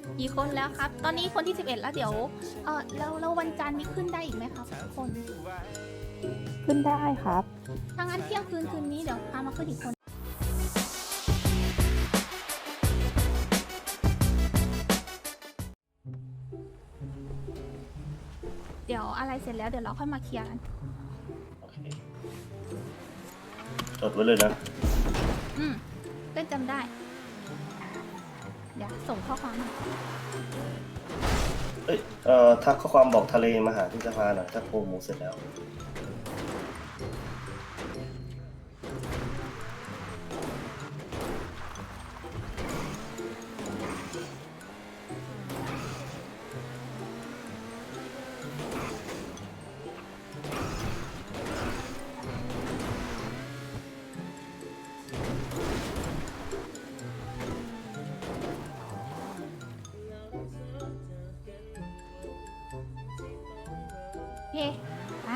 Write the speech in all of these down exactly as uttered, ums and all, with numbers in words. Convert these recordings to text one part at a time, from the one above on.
กี่คนแล้วครับ ตอนนี้คนที่สิบเอ็ดแล้วเดี๋ยวเออแล้วแล้ววันจันทร์นี้ขึ้นได้อีกไหมครับทุกคนขึ้นได้ครับถ้างั้นเที่ยงคืนคืนนี้เดี๋ยวพามาขึ้นอีกคน เดี๋ยวอะไรเสร็จแล้วเดี๋ยวเราค่อยมาเคลียร์กันโอเคจดไว้เลยนะอืมเต้นจำได้ เดี๋ยวส่งข้อความมาเอ้ยเอ่อทักข้อความบอกทะเลมาหาที่สภาหน่อยถ้าโปรโมทเสร็จแล้วโอเคมา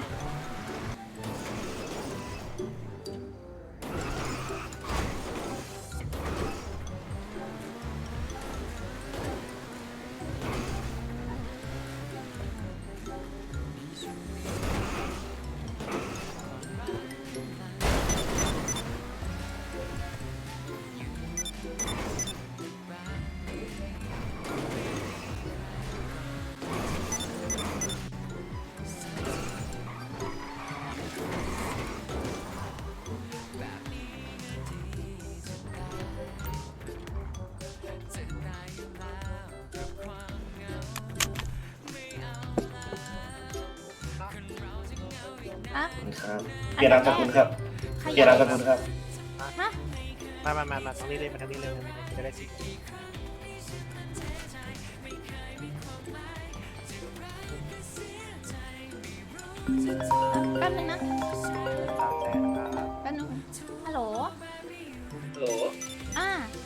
อ่ะครับเปลี่ยนนามสกุลครับขเปลี่ยนนามสกุลครับฮะมามามามาทางนี้เลยมาทางนี้เลยจะได้สิแป๊บนึงนะสามแสนครับแป๊บนึงฮัลโหลฮัลโหลอ่า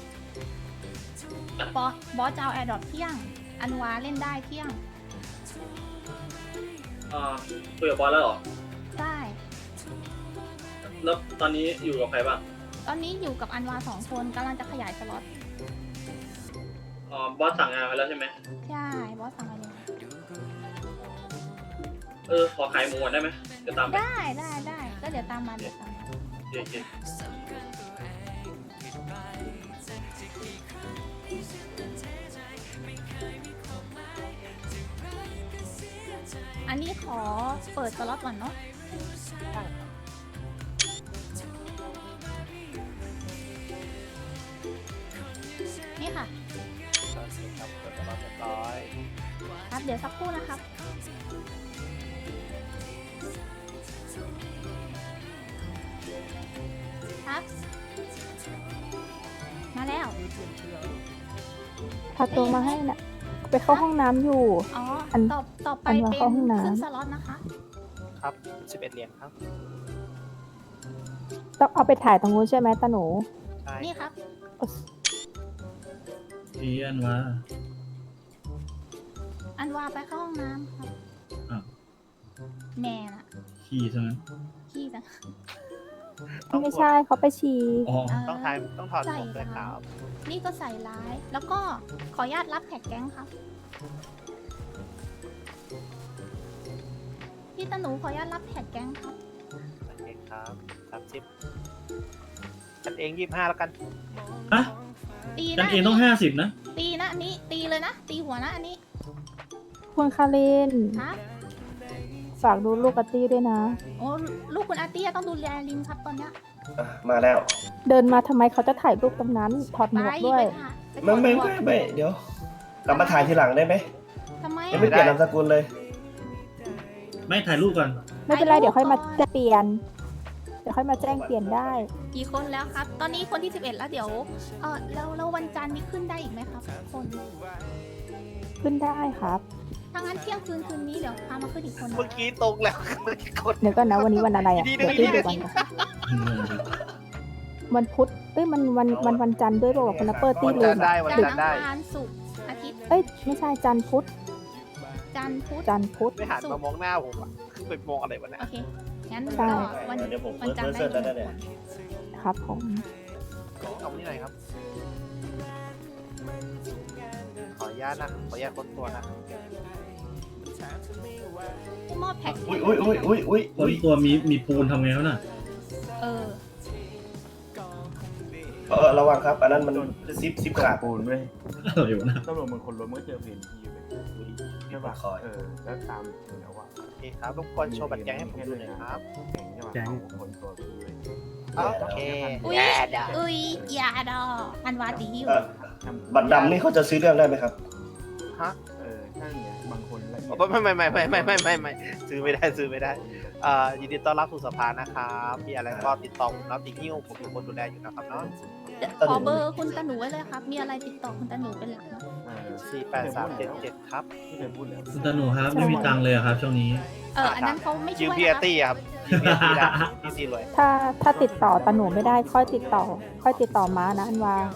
บอสบอสจะเอาแอร์ดรอปเที่ยง อันวาเล่นได้เที่ยงอ่าคุยกับบอสแล้วเหรอได้แล้วตอนนี้อยู่กับใครบ้างตอนนี้อยู่กับอันวาสองคนกำลังจะขยายสล็อตอ๋อบอสสั่งงานไว้แล้วใช่ไหมใช่ บอสสั่งอะไรเลยเออ ขอขายหมูก่อนได้ไหมเดี๋ยวตามไปได้ได้ได้ก็เดี๋ยวตามมาเดี๋ยวตามมาโอเคโอเคอันนี้ขอเปิดสล็อตก่อนเนาะนี่ค่ะโอเคครับเปิดตลอดเรียบร้อยครับ เดี๋ยวสักครู่นะครับ ครับ มาแล้วพาตัวมาให้นะไปเข้าห้องน้ำอยู่อ๋ออันต่อต่อไปอันวาเป็นเข้าห้องน้ำขึ้นสล็อตนะคะครับสิบเอ็ดเหรียญครับต้องเอาไปถ่ายตรงนู้นใช่ไหมตาหนูใช่นี่ครับพี่อันว่าอันวาไปเข้าห้องน้ำครับอ้าวแม่น่ะขี่ซะงั้นขี้จังต้องไม่ใช่เขาไปฉี่อ๋อเออต้องทายต้องถอดหมวกด้วยครับนี่ก็ใส่ร้าย แล้วก็ขออนุญาตรับแท็กแก๊งครับ พี่ตาหนูขออนุญาตรับแท็กแก๊งครับโอเคครับสามสิบกันเองยี่สิบห้าแล้วกันฮะตีกันะนเองต้องห้าสิบนะตีนะอันนี้ ตีเลยนะ ตีหัวนะอันนี้คุณคารินครับฝากดูลูกกตตี้ด้วยนะโอ้ลูกคุณอาร์ตี้ต้องดูแลลิงครับตอนเนี้ยอ่ะมาแล้วเดินมาทำไมเขาจะถ่ายรูปตรงนั้น ถอดหไปมวกด้วยไปค่ะไปไม่ไม่ถอดไม่หวไม่เดี๋ยวกลับมาถ่ายทีหลังได้ไหมทำไมยังอะไม่เปลี่ยนนามสกุลเลยไม่ถ่ายรูปก่อนไม่เป็นไรเดี๋ยวค่อยมาแจ้งเปลี่ยน เดี๋ยวค่อยมาแจ้งเปลี่ยนได้กี่คนแล้วครับ ตอนนี้คนที่สิบเอ็ดแล้วเดี๋ยวเออแล้วแล้ววันจันทร์นี้ขึ้นได้อีกไหมครับทุกคนขึ้นได้ครับถ้างั้นเที่ยงคืนคืนนี้เดี๋ยวพามาขึ้นอีกคนเมื่อกี้ตรงแล้วเมื่อกี้กดเดี๋ยวก่อนนะวันนี้วันอะไรอ่ะดีๆเดี๋ยวดีพี่ๆดูวันก่อนวันพุธเอ้ยมันวันวันวันจันทร์ด้วยบอกว่าคุณนัปเปอร์ตี้วันลืจันมทร์ได้อะวันจันทจันร์ทร์ได้อังคารศุกร์อาทิตย์เอ้ยไม่ใช่จันทร์พุธจันทร์พุธจันทร์พุธไม่หันมามองหน้าผมอ่ะไปมองอะไรวะเนี่ยโอเค งั้นใช่ก็วันเดี๋ยวผมวันจันทร์ได้เฟิร์สเฟิร์สเสิร์ชหแล้วนึ่งเนี่ยคนครับผมเอานี่หน่อยครับ ขออนุญญาตนะขออนุญาตค้นตัวนะผู้มอบแพ็กอุ้ยอุ้ยอุ้ยอุ้ยอุ้ยคนอุ้ยตัวมีมีปูนทำไงวะน่ะเออเออระวังครับ อันนั้นมันซิปซิปขาดปูนเว้ยอะไรวะน่ะตำรวจมึงคนรถมึงก็เจอเพนทีไปใช่ป่ะเออแล้วตามถึงแล้วว่าโอเคครับรบกวนโชว์บัตรแก๊งให้ผมดูหน่อยครับแข่งใช่ป่ะเอาคนตัวไปด้วยโอเคอุ้ยอุ้ยอยาดออันวาตีอยู่เอ่อบัตรดำนี่เขาจะซื้อเรื่องได้ไหมครับฮะเออใช่เนี่ยบางคนละเอียดไม่ไม่ไม่ไม่ไม่ไม่ไม่ไม่ซื้อไม่ได้ซื้อไม่ได้อ่ายินดีต้อนรับสู่สภานะครับมีอะไรก็ติดต่อผมรับติหิ้วผมเป็นคนดูแลอยู่นะครับเนาะขอเบอร์คุณตาหนูไว้เลยครับ มีอะไรติดต่อคุณตาหนูเป็นหลักนะเออสี่แปดสามเจ็ดเจ็ดครับที่เคยพูดแล้วคุณตาหนูครับไม่มีตังค์เลยอะครับช่วงนี้เออ อันนั้นเขาไม่ยืช่มวยพีอานะร์ครับตี้ครับยืมพีอาร์ตี้ได้พี่ซีรวยถ้าถ้าติดต่อตาหนูไม่ได้ค่อยติดต่อ ค่อยติดต่อม้านะอันวา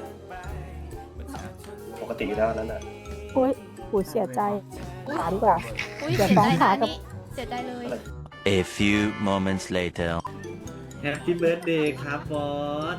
ปกติอยู่แล้วอันนั้นอ่ะโอ้ยหูเสียใจขาดีกว่าอุ้ยเดี๋เสียวย ฟ้องใจศานะลอันนี้เสียใจเลย A few moments later. แฮปปี้เบิร์ดเดย์ครับบอส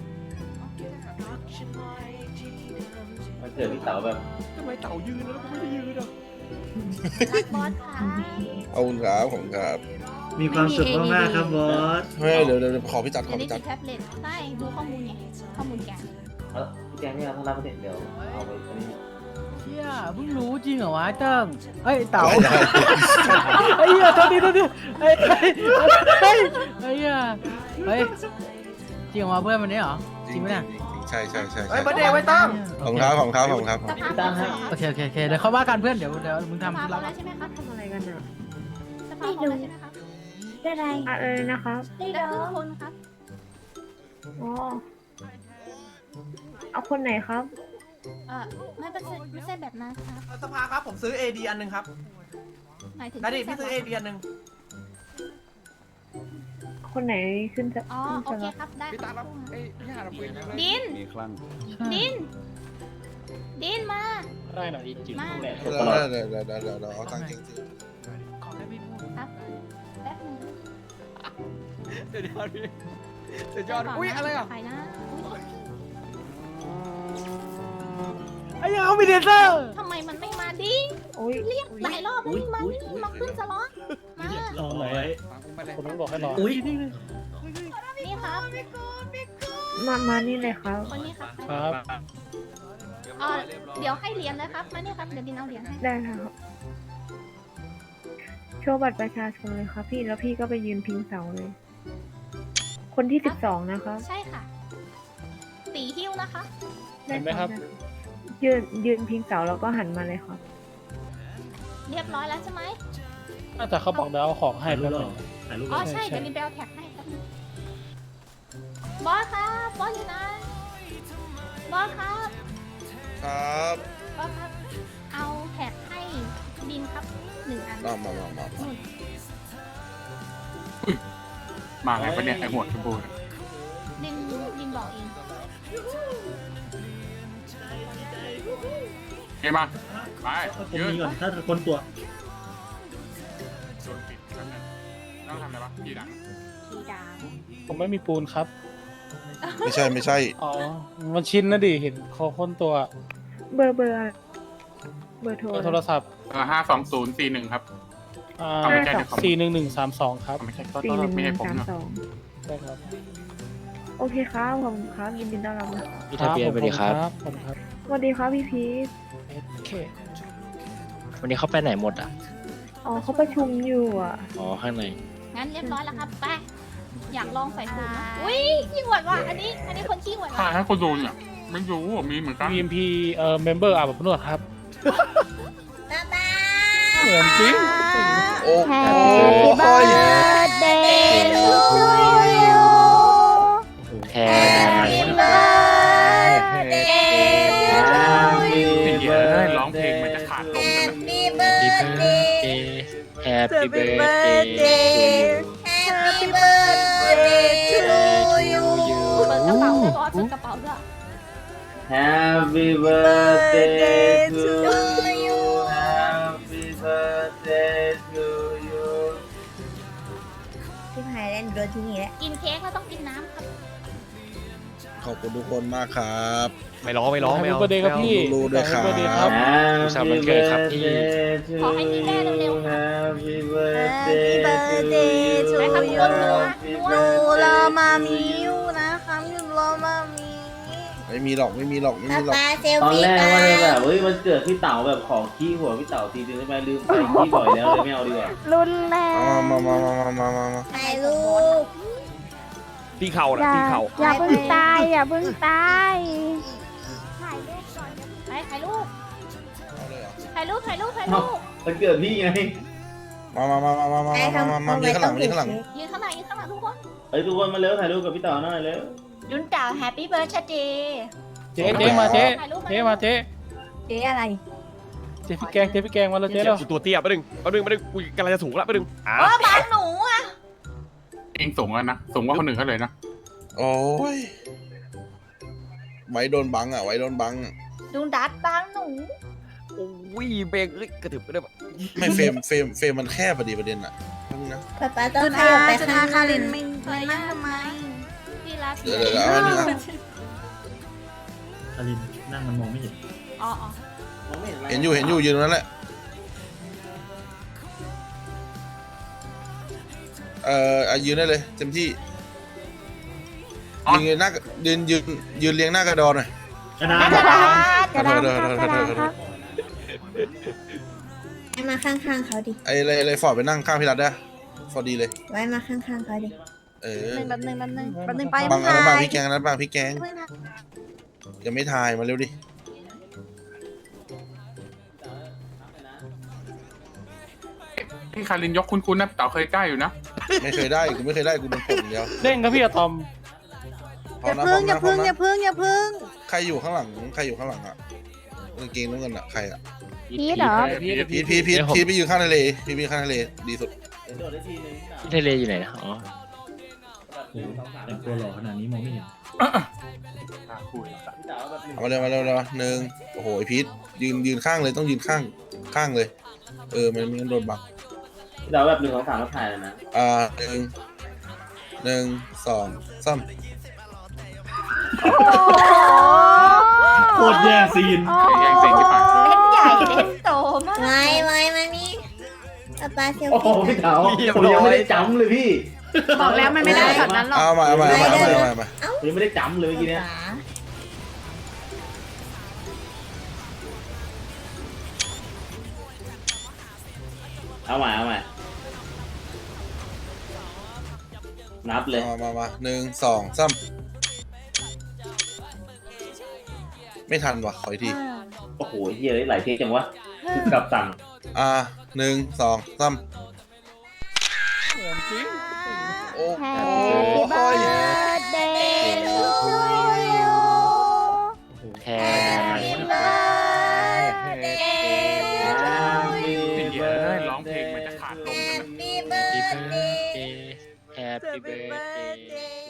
มันเกิดพี่เต๋าแบบทำไมเต่ายืนแล้วกูไม่ได้ยืนอ่ะรักบอสค่ะเอาคุณครับผมครับมีความสุขมากๆครับบอสไม่เดี๋ยวเดี๋ยวขอพี่จัดขเดี๋อยวนี้พี่จัติดดแท็บเล็ตใช่ดูข้อมูลไงข้อมูลแกเออพี่แกงนี่เราถ้ารับไม่เสร็จเดี๋ยวเอาไปอันนี้เชี่ยเพิ่งรู้จริงเหรอวะเติ้งเฮ้ยเต๋าได้ได้ไอ้เหี้ยโทษทีโทษทีเฮ้ยเฮ้ยเฮ้ยไอ้เหี้ยเฮ้ยจริงเหรอวะเพื่อนมันนี้เหรอจริงไหมเนี่ยใช่ใช่ใช่เฮ้ใช่ยประเดี๋ยวไว้ตั้งของครับของครับของครับสภาพพร้อมแล้วโอเคโอเคโอเคเดี๋ยวเขาว่ากันเพื่อนเดี๋ยวเดี๋ยวมึงสภาพทำพร้อเรามแล้วใช่ไหมครับทำอะไรกันอ่ะสภาพพร้อมแล้วใช่ไหมครับได้ไรอะไรนะครับได้ครึ่งคนครับอ๋อเอาคนไหนครับเออไม่เป็นไม่ใช่แบบนั้นครับสภาครับผมซื้อ เอ ดี อันหนึงครับหมายถึงนาดิพี่ซื้อ เอ ดี อันหนึงคนไหนขึ้นจะอ๋อโอเคครับได้ครับดินดินดินมาได้หน่อยดิมาเดี๋ยวเดี๋ยวเดี๋ยวเดี๋ยวเดี๋ยวเดี๋ยวเอาตังค์จริงขอได้ไม่พูดครับแป๊บนึงเดี๋ยวเดี๋ยวพี่เดี๋ยวจอดอุ้ยอะไรอ่ะใครนะอุ๊ยไอ้ยังเอามีเดนเซอร์ทำไมมันไม่มาดิโอ้ยเรียกหลายรอบแล้วนี่มานี่มาขึ้นสล็อตมารอไว้คนต้องบอกให้รออุ้ยนี่ครับมามานี่เลยครับคนนี้ครับครับเออเดี๋ยวให้เหรียญเลยครับมานี่ครับเดี๋ยวดินเอาเหรียญให้ได้ค่ะโชว์บัตรประชาชนเลยครับพี่แล้วพี่ก็ไปยืนพิงเสาเลย คนที่สิบสองนะครับใช่ค่ะ ตีหิ้วนะคะเห็นไหมครับ ยืนยืนพิงเสาแล้วก็หันมาเลยครับเรียบร้อยแล้วใช่ไหมน่าจะเขาบอกเดี๋ยวเอาของให้ถ่ายรูเพื่อปนหรอถ่ายรูปหรอ๋ออใช่เดี๋ยวดินไปเอาแท็กให้ครับบอสครับบอสอยู่ไหนบอสครับๆครับบอสครับเอาแท็กให้ดินครับหนึ่งอันมามามามานู่นมาไงปะเนี่ยไอหัวชมพูดินดินบอกเองเฮ้ยมาไปเอาตรงนี้ก่อนถ้าคนตัวต้องทำอะไรปะพี่ดังทีดาวผมไม่มีปูนครับไม่ใช่ไม่ใช่อ๋อ มันชินนะดิ เห็นเขาค้นตัวเบอร์เบอร์อะไรเบอร์โทรโทรศัพท์เออห้าสองศูนย์สี่หนึ่งครับอ่าเอาไม่ใช่เดี๋ยวผมสี่หนึ่งหนึ่งสามสองครับไม่ใช่ก็สี่หนึ่งไม่หใช่นึ่งผมสามเนาะสองได้ครับโอเคครับขอบคุณครับยินดีต้อนรับนะครับพี่ทะเบียนสวัสดีครับผมครับสวัสดีครับพี่พีทโอเควันนี้เขาไปไหนหมดอ่ะอ๋อเขาประชุมอยู่อ่ะอ๋อ ข้างในงั้นเรียบร้อยแล้วครับไปอยากลองใส่สูตรนะอุ้ยขี้หวดว่ะอันนี้อันนี้คนขี้หวดถ่าว่ะยให้คนดูเนี่ยไม่รู้ว่ามีเหมือนกันบี เอ็ม พี เอ่อ เมมเบอร์อาบอบนวดครับ เหมือนจริงโอ้โหแฮปปี้สิ่งเดียวเลยร้องเพลงมันจะขาดลมกันนะเบิร์ดเดย์แฮปปี้เบิร์ดเดย์ทูยูเปิดกระเป๋าด้วยบอสเปิดกระเป๋าด้วย Happy birthday to you Happy birthday to you กินเค้กแล้วต้องกินน้ำครับขขอบคุณทุกคนมากครับไม่ร้องไม่ร้องไม่เอาเบอร์เดย์ครับพี่รู้ด้วยครับอุตส่าห์วันเกิดครับพี่ขอให้มีแม่เร็วๆค่ะ Happy เบอร์เดย์ชูยูหนูรอมามีอยู่นะครับหนูรอมามีไม่มีหรอกไม่มีหรอกไม่มีหรอกตอนแรกว่าเลยแบบเฮ้ยมันเกิดพี่เต๋าแบบของขี้หัวพี่เต๋าทีนึงใช่ไหมลืมไปขี้บ่อยแล้วเลยไม่เอาดีกว่ารุนแรงมามามามามามามาถ่ายรูปตีเข่านะตีเข่าอย่าเพิ่งตายอย่าเพิ่งตายถ่ายรูปก่อนไปถ่ายรูปเอาเลยเหรอถ่ายรูปถ่ายรูปถ่ายรูปมันเกิดพี่ไงมามามามามามามามามายืนข้างหลังยืนข้างหลังยืนข้างหลังยืนข้างหลังทุกคนเฮ้ยทุกคนมาเร็วถ่ายรูปกับพี่เต๋าหน่อยเร็วยุนเต่าแฮปปี้เบิร์ดเดย์เจ๊เจ๊มาเจ๊เจ๊มาเจ๊เจ๊อะไรเจ๊พี่แกงเจ๊พี่แกงมาแล้วเจ๊แล้วกูตัวเตี้ยไปดึงไปดึงไปดึงกูกำลังจะสูงละไปดึงอ่ะเออบางหนูอ่ะเองสูงแล้วนะสูงกว่าคนอื่นเขาเลยนะโอ้ยไว้โดนบังอ่ะไว้โดนบังอะดูดัดบางหนูโอ้ยเบรกเอ้ยกระถึบไปได้ปะไม่เฟรมเฟรมเฟรมมันแคบพอดีประเด็นอ่ะนั่นนะป๊าป๊าต้องขยับไปข้างหน้าคารินไม่ไม่นั่งทำไมพี่รักเดี๋ยวเดี๋ยวเดี๋ยวเอาอันนี้อ่ะอลินนั่งมันมองไม่เห็นอ๋ออ๋อมองไม่เห็นอะไรเห็นอยู่เห็นอยู่ยืนตรงนั้นแหละเอ่ออ่ะยืนได้เลยเต็มที่ยืนหน้ายืนยืนยืนเรียงหน้ากระดอนหน่อยกระดานกระดาษกระดาษเดี๋ยวครับเดี๋กยวระเดี๋ดายวษครับให้มาข้างๆเขาดิไอ้อะไรอะไรฟอร์ดไปนั่งข้างพี่รัตได้ฟอร์ดดีเลยไว้มาข้างๆเขาดิเออแป๊บนึงแป๊บนึงแป๊บนึงไปบางอันนั้นบางถ่ยพี่แกงอันนั้นบางพี่แกงเพิ่งถ่ายยังไม่ถ่ายมาเร็วดิพี่คารินยกคุณคุณนะเต่าเคยกล้าอยู่นะไม่เคยได้กูไม่เคยได้กูโดนผมเดียวเด้งครับพี่อะตอมพร้อมนะพร้อมนะพร้อมนะใครอยู่ข้างหลังใครอยู่ข้างหลังอ่ะกางเกงน้ำเงินอ่ะใครอ่ะพีทเหรอพีทพีทพีทพีทไปยืนข้างทะเลพีทไปยืนข้างทะเลดีสุดเดี๋ยวโดดได้ทีนึงที่ทะเลอยู่ไหนนะอ๋อโอ้โหแต่งตัวหล่อขนาดนี้มองไม่เห็นคุยพี่เต๋าแบบหนึ่งเอามาเร็วมาเร็วเร็วหนึ่งโอ้โหไอพีทยืนยืนข้างเลยต้องยืนข้างข้างเลย เออมันไมันโดนบังพี่เต๋าแบบหนึ่งสองสามแล้วถ่ายเลยนะอ่าหนึ่งหนึ่งสองสามโคตรแย่ซีนแย่งเสียงที่ปากเล่นใหญ่เล่นโตมากไว้ไว้มานี่ป๊าเซลโอ้โหฟี่พี่เต๋าผมยังไม่ได้จำเลยพี่บอกแล้วมันไม่ได้ช็อตนั้นหรอกเอามาเอามาเอามาเอามาเอามาเอามาผมยังไม่ได้จำเลยเมื่อกี้เนี้ยเอาใหม่เอาใหม่นับเลยมามามาหนึ่งสองสามไม่ทันว่ะขออีกทีโอ้โหเฮียหลายเทคจังวะคือกลับสั่งอ่าหนึ่งสองสามเหมือนจริงโอ้โห Happy birthday to you แท Happy birthday to สิ่งเดียวเลยร้องเพลงมันจะขาดลมกันนะ Happy birthday Happy birthday